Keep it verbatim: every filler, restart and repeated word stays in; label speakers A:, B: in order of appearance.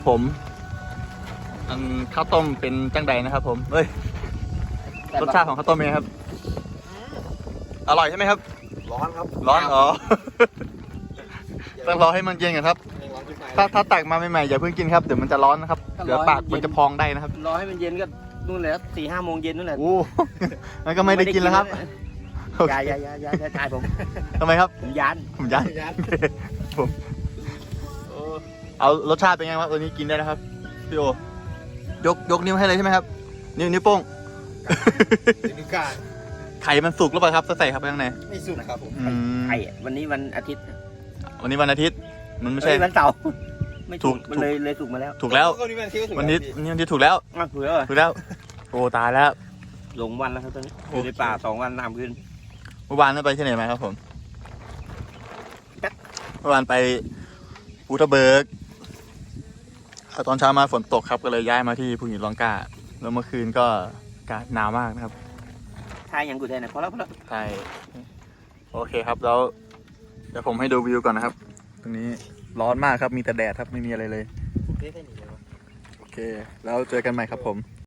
A: ผมอันข้าวต้มเป็นจังใดนะครับผมเฮ้ยรสชาติของข้าวต้มเป็นไงครับอร่อยใช่ไหมครับ
B: ร้อนครับ
A: ร้อนอ๋อต้องรอให้มันเย็นก่อนครับถ้าถ้าตักมาใหม่ๆอย่าเพิ่งกินครับเดี๋ยวมันจะร้อนนะครับเดี๋ยวปากมันจะพองได้นะครับ
C: รอให้มันเย็นก็นู่นแหละสี่ห้าโมงเย็นนู่นแหละ
A: โอ้มันก็ไม่ได้กินแล้วครับ
C: ยายายายายายผม
A: ทำไมครับ
C: ผมยาน
A: ผมยันผมเอารสชาติเป็นไงครับตัวนี้กินได้นะครับพี่โอยกยกนิ้วให้เลยใช่ไหมครับนิ้วนิ้วโป้ง
B: นิ้วกลาง
A: ไข่มันสุกหรือเปล่าครับใส่ครับข้างใน
B: ไม่สุกครับผม
A: อืม
C: ไข่วันนี้วันอาทิตย์
A: วันนี้วันอาทิตย์มันไม่ใช่
C: เอ้ยวันเสาร์ไม่
A: ถู
C: ถู
A: ก
C: กมันเลยเลยถูกมาแล้ว
A: ถูกแล้ว
B: ก็นี่มันคิดว่าถูก
A: วันนี้วันนี้วันที่ถูกแล้ว
C: อ้าวถูกแล้วเหรอ
A: ถูกแล้วโอ้ตายแล้ว
C: หลงวันแล้วครับตอนนี้
A: โอ้
C: อยู่ในป่าสองวันสามคืน
A: เมื่อวานไปที่ไหนมาครับผมเมื่อวานไปภูทับเบิกตอนเช้ามาฝนตกครับก็เลยย้ายมาที่ภูหินร่องกล้าแล้วเมื่อคืนก็อากาศหนาวมากนะครับ
C: ทายยังกูแทนนะพอแล้วพอแล้ว
A: ใช่โอเคครับแล้วเดี๋ยวผมให้ดูวิวก่อนนะครับ ตรงนี้ร้อนมากครับมีแต่แดดครับไม่มีอะไรเลยโอเคแล้วเจอกันใหม่ครับผม